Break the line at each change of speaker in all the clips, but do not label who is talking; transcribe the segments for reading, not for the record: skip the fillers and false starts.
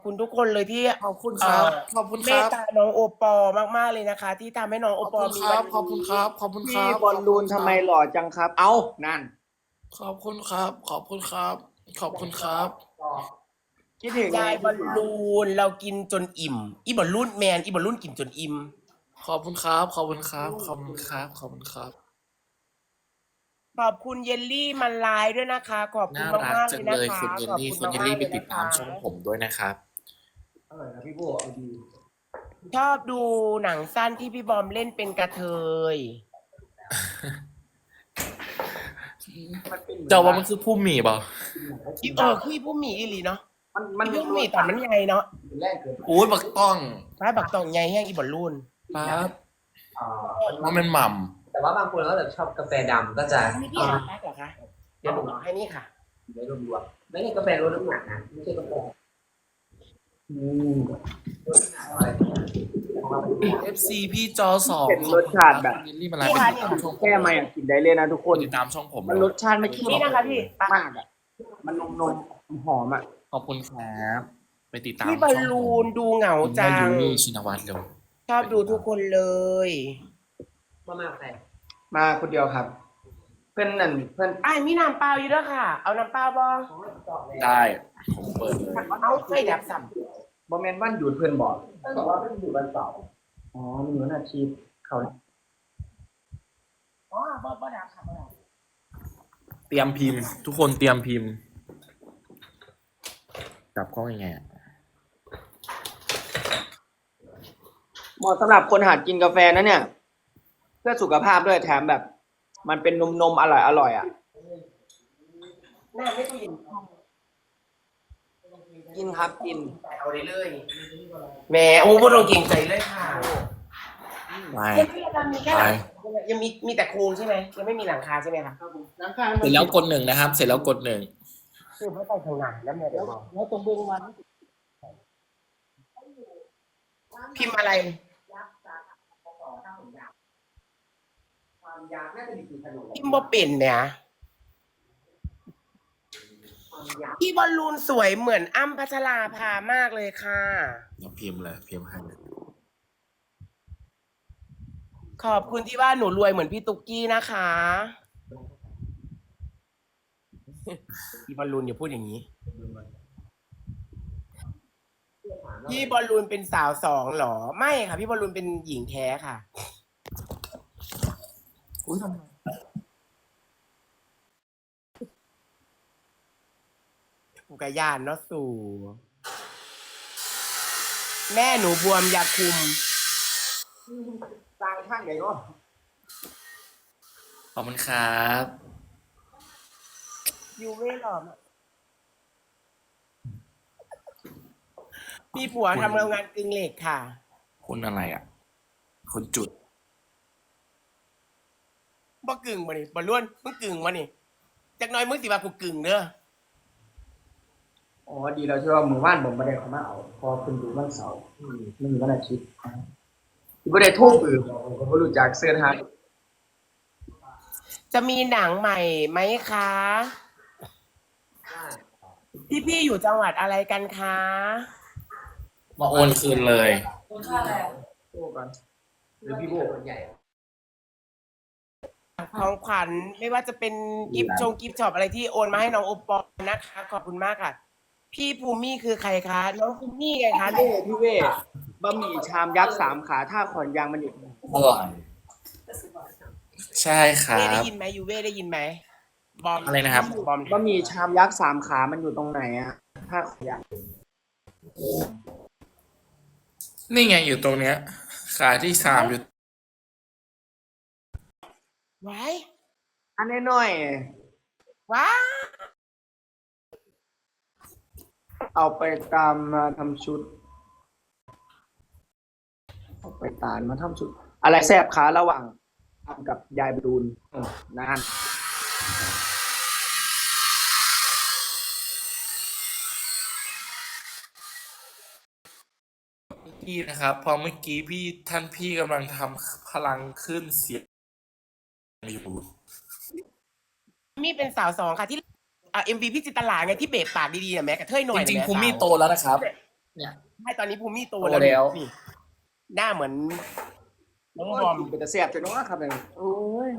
คุณทุกคนเลยที่
ขอบคุณครับขอบคุณ
เม
ครับ
ตตาน้องโอปอมากๆเลยนะคะ ที่ทำให้น้องโอ
ขอบ
ปอ
คุณครับ
มีวัน
ขอบคุณ
นี้
ครับ ขอบคุณค
พี่
รับ
บอลลูนทำไมหล่อจังครับ เอ้านั่น
ขอบคุณครับ ขอบคุณครับ ขอบคุณครับ
คิดถึงไง
ยายบอลลูนเรากินจนอิ่ม อีบอลลูนแมนอีบอลลูนกินจนอิ่ม
ขอบคุณครับ ขอบคุณครับ ขอบคุณครับ ขอบคุณครับ
ขอบคุณเยลลี่มันลายด้วยนะคะ ขอบคุณ
น่ารัก
มากๆ
จั
เลย
ง
นะ
เลย
คะ
คุณเยล
ขอบ
ลี่
คุณ
คุณเยล
มา
ลี่
กๆ
ไป
เลย
ติด
นะ
ตาม
คะ
ช่องผมด้วยนะครับ
อร่อยนะพี่โบเอาดี
ชอบดูหนังสั้นที่พี่บอมเล่นเป็นกระเทย
มันเป็นเหมือน
เจ้าว่ามันคือผู้มีเปล่า
คือผู้มีอีหลีเนาะ
มัน
อีผู้มีตอนมันใหญ่เนาะ
เป็นแรกเกิด
อุ้ยบักต้อง
ป้าบักตองใหญ่แห้งอีบอลลูน
ป๊าบว่าเป็นหม่ำ
แต่ว่าบางคนเขาแบบชอบกาแฟดำก็จะ
อันนี้พี่หาแป๊กเหรอคะเดี๋ยวหนูเอาให้นี่ค่ะ
ไม่รวมๆไม่ใช่กาแฟลดน้ำหนักนะไม่ใช่กาแฟ
FC พี่จอสอง
เป็นรสชาติแบบ
คุณเยลลี่มาไลฟ์ไปติดตามช่องผม
แก้ไม่อะกินได้เลยนะทุกคน
ติดตามช่องผม
มันรสชาติไม่เข้ม
นี่นะคะพี่
มากอ่ะ มันนมหอมอ่ะ
ขอบคุณครับไปติดตาม
พี่บอลลูนดูเหงา
จั
จั
ง
ง
ยูนี่ชินวัตรเร็ว
ชอบดูทุกคนเลย
มาใคร
มาคนเดียวครับ เพื่อนนั่นเพื่อน
ไอ้ายมีน้ำเปล่าอยู่ด้วยค่ะ เอาน้ำเปล่าบ้าง
ได้ผมเปิดเลย
เอาไฟดับสัม
บอมแมนวันหยุดเพื่อนบอกบอกว่าเป็นหยุดวันเสาร์อ๋อมันอยู่วันอาทิตย์เขา
อ๋อบ่ดับค่ะบ่ดับ
เตรียมพิมพ์ ทุกคนเตรียมพิมพ์จับกล้องยังไงอะ
เหมาะสำหรับคนหัดกินกาแฟนะเนี่ย เพื่อสุขภาพด้วยแถมแบบ มันเป็นนมอร่อยอ่ะ
น้ำไม่ตู้เย็น
กินครับกิน
เอาได้เลยแหมโอ้บ่ต้องเกรงใจเลยค่ะ
ไป
ยังมีแค่หลังยังมีแต่โครงใช่ไหมยังไม่มีหลังคาใช่ไหมคะ
เสร็จแล้วกดหนึ่งนะครับ เสร็จแล้วกดหนึ่ง
คือไม่ใส่ข้างหน้าแล้วแม่เดี๋ยวบอก
แล้วตรงเบื้องวัน
พิมพ์อะไร
ความยากน่าจะมีกี่ขนม
พิมพ์บ่เป็นเนี่ย
ความยาก
พี่บอลลูนสวยเหมือนอ้ำพัชราภามากเลยค่ะ
เราพิมพ์เลยพิมพ์ให้เลย
ขอบคุณที่ว่าหนูรวยเหมือนพี่ตุ๊กกี้นะคะ พี่บอลลูนอย่าพูดอย่างนี้ พี่บอลลูนเป็นสาวสองเหรอ ไม่ค่ะ พี่บอลลูนเป็นหญิงแท้ค่ะ
อุ้ยทำไม
กูกะยานเนาะสู่ แม่หนูบวมยาคุม
สร้างข้างใหญ่เนาะ
ขอบคุณครับ
ยูเว่หรอมีผัวทำโรงงานกึ่งเหล็กค่ะ
คุณอะไรอ่ะ คุณจุด
บ่กึ่งมานี่บ่ล้วนมึงกึ่งมานี่จักหน้อยมึงสิว่ากูกึ่งเด้อ
อ๋อดีแล้วที่ว่ามือว่านผมไม่ได้เขามาเอาพอคุณอยู่วันเสาร์ไม่มีวันอาทิตย์ไม่ได้ทุ่มผมก็รู้จักเสื้อทาง
จะมีหนังใหม่ไหมคะ พี่อยู่จังหวัดอะไรกันคะ
มาโอนคืนเลย
โบ้ก่อนหรือพี่โบ้
คนใหญ่
ของขวัญไม่ว่าจะเป็นกิฟต์กิฟต์ช็อปอะไรที่โอนมาให้น้องโอปอลนะคะขอบคุณมากค่ะ พี่ภูมิคือใครคะน้องภูมิไงคะ
พี่เว่บะหมี่ชามยักษ์3 ขาท่าขอนยางมันอยู่
อร่อยใช่ครั
เว่ได้
บ
ยินไหมยูเว่ได้ยินไหมบอม
อะไรนะครับ
บอม
บะหมี่ชามยักษ์3 ขามันอยู่ตรงไหนอะท่าขอนยาง
นี่ไงอยู่ตรงเนี้ย ขาที่สามอยู่
ไว้
อันน้อย
ว้า
ๆเอาไปตามมาทำชุด เอาไปตามมาทำชุด อะไรแซ่บขาระหว่างทำกับยายบรูนนาน
พี่นะครับพอเมื่อกี้พี่กำลังทำพลังขึ้นเสียงอยู่
มีเป็นสาวสองค่ะที่MV พี่จิตรลาไงที่เบะปากดีๆนะแม่กระเทยหน่อย
จริง
นะ
ๆ
แม่
ภูมิ
สาว
โตแล้วนะครับ
เนี่ย
ไม่ตอนนี้ภูมิโต
โต
แล้ว
แล้ว
นี่หน้าเหมือนน้องบ
บ
อ
อ
ม
มเป็นตะแซ่บจังเนาะครับเนี่ยโอ้ย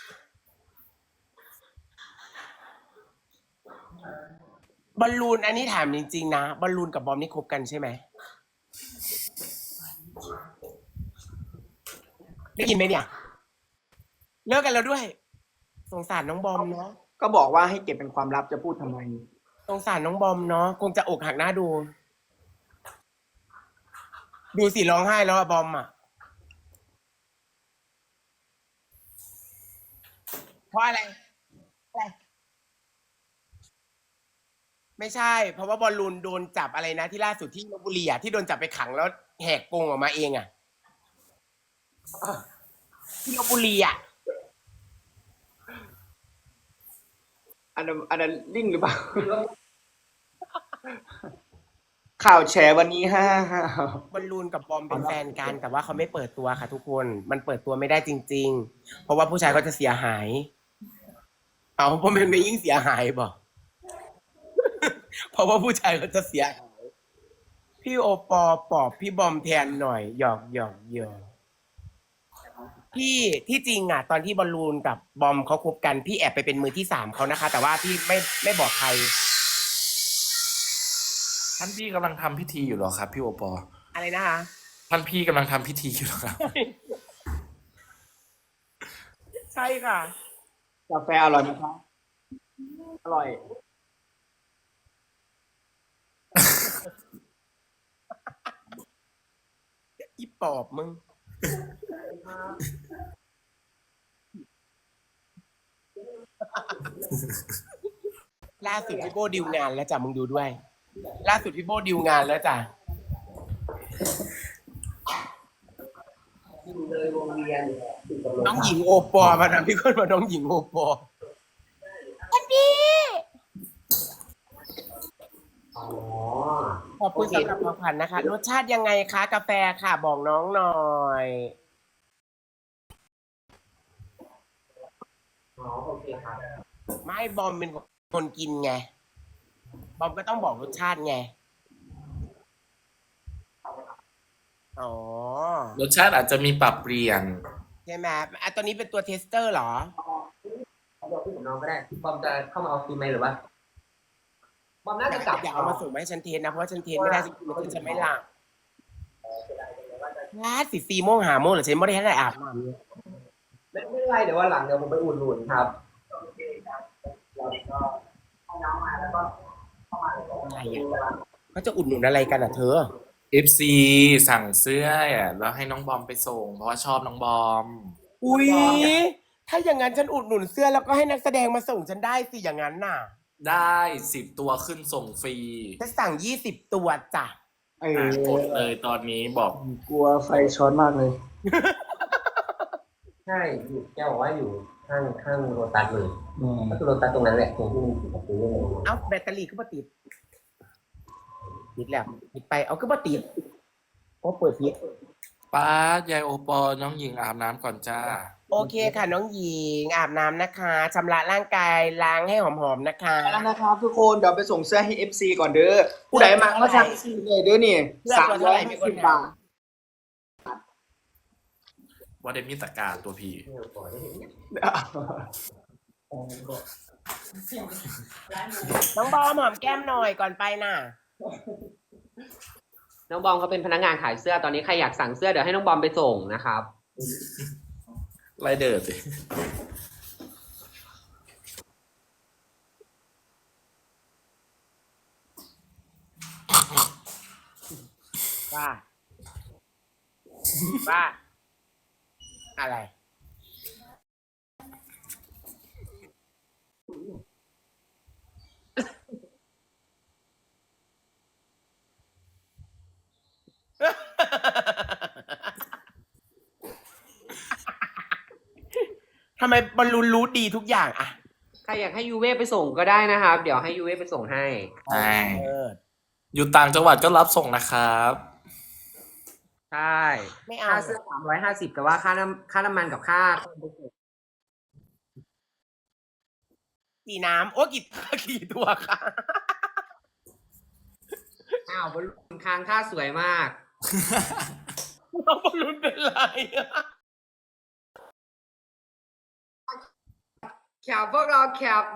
บอลลูนอันนี้ถามจริงๆนะบอลลูนกับบอมนี่คบกันใช่ไหมได้ยินไหมเนี่ยเลิกกันแล้วด้วย สงสารน้องบอมเนาะ
ก็บอกว่าให้เก็บเป็นความลับจะพูดทำไม
สงสารน้องบอมเนาะคงจะอกหักหน้าดู ดูสิร้องไห้แล้วอะบอมอะเพราะอะไร ไม่ใช่ เพราะว่าบอลลูนโดนจับอะไรนะที่ล่าสุดที่ลพบุรีอะที่โดนจับไปขังแล้วแหกกรงออกมาเองอะที่ลพบุรีอะ
อันนั้นลิงหรือเปล่า ข่าวแฉวันนี้ฮ่า
บอลลูนกับบอมเป็นแฟนกัน แต่ว่าเขาไม่เปิดตัวค่ะทุกคน มันเปิดตัวไม่ได้จริง ๆ เพราะว่าผู้ชายก็จะเสียหาย เอาเพราะมันไม่ยิ่งเสียหายบอก เพราะว่าผู้ชายก็จะเสียหาย พี่โอปอปอบพี่บอมแทนหน่อยหยอกพี่ที่จริงอ่ะ ตอนที่บอลลูนกับบอมเขาคบกันพี่แอบไปเป็นมือที่สามเขานะคะ แต่ว่าพี่ไม่บอกใคร
ท่านพี่กำลังทำพิธีอยู่เหรอครับ พี่โอปอ
อะไรนะคะ
ท่านพี่กำลังทำพิธีอยู่เหรอครับ
ใช่ค่ะ
กาแฟอร่อยไหมครับ อร่อย
อีปอบมึง ล่าสุดพี่โบดิวงานแล้วจ้ะมึงดูด้วย ล่าสุดพี่โบดิวงานแล้วจ้ะ
เลยวงเวียนติดกับโรง
น้องหญิงโอปอมานะพี่คนมาน้องหญิงโอปอ
อ๋อ
ขอบคุณสำหรับของขวัญนะคะ รสชาติยังไงคะ กาแฟค่ะ บอกน้องหน่อย
อ๋อโอเคครับ
ไม่บอมเป็นคนกินไง บอมก็ต้องบอกรสชาติไง อ๋อ
รสชาติอาจจะมีปรับเปลี่ยน
ใช่ไหมอ่ะตัวนี้เป็นตัวเทสเตอร์เหรอ
เอาตัวพี่กับน้องก็ได้บอมจะเข้ามาเอาฟิล์มไหมหรือว่าบอมน่าจะกลับ
อย่าเอามาส่งมาให้ฉันเทสนะ เพราะว่าฉันเทสไม่ได้ฉันกินแล้วฉันจะไม่หลับลาด4 โมง5 โมงเหรอฉันไม่ได้ให้ได้อาบน้ำเลย
ไม่เป็นไรเดี๋ยววันหลังเดี๋ยวผมไปอุ่นหนุนครับ
อะไรอ่ะเขาจะอุดหนุนอะไรกันอ่ะเธอ
FC สั่งเสื้ออ่ะแล้วให้น้องบอมไปส่ง เพราะว่าชอบน้องบอม
อุ๊ย ถ้าอย่างนั้นฉันอุดหนุนเสื้อแล้วก็ให้นักแสดงมาส่งฉันได้สิอย่างนั้นน่ะ
ได้10 ตัวขึ้นส่งฟรี
ฉันสั่ง20 ตัวจ้ะ
เออก
ดเลยตอนนี้บอก
กลัวไฟช็อตมากเลย
ใช่อยู่แกบอกว่าอยู่ข้างโรตัสเลย
อืม
ก็คือโรตัสตรงนั้นแหละตรงที่มีประตูเลย
เอ้าแบตเตอรี่ก็มาติดแล้วติดไปเอาก็มาติดโอ้เปิดพิษ
ป้ายายโอปอน้องหญิงอาบน้ำก่อนจ้า
โอเคค่ะน้องหญิงอาบน้ำนะคะชำระร่างกายล้างให้หอมๆนะคะ
ไปแล้วนะครับทุกคนเดี๋ยวไปส่งเสื้อให้ FC ก่อนเด้อ ผู้ใดมาก็สั่งซื้อเลยเด้อนี่
เสื้อตัวเท่าไหร่มีคน
350
ถา
บาม ท
ว่าเดมิตากาตัวพี่
น้องบอมหอมแก้มหน่อยก่อนไปน่ะ
น้องบอมเขาเป็นพนักงานขายเสื้อตอนนี้ใครอยากสั่งเสื้อเดี๋ยวให้น้องบอมไปส่งนะครับ
ไรเดอร์สิ
ว่า ว่าอะไร ทำไมบอลลูนรู้ดีทุกอย่างอะ
ใครอยากให้ยูเว่ไปส่งก็ได้นะครับ เดี๋ยวให้ยูเว่ไปส่งให้
ใช่
เออ
อยู่ต่างจังหวัดก็รับส่งนะครับ
ใช่
ไม่เอา
ค่าเสื้อ350แต่ว่าค่าน้ำมันกับค่า
กี่น้ำโอ้กี่ตัวค่ะ
อ้าวบอลลูนค้างท่าสวยมาก
น้องบอลลูนเป็นไรอะ
แคปพวกเราแคป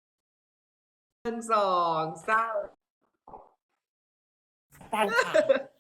1 2 3
ตั้งค่ะ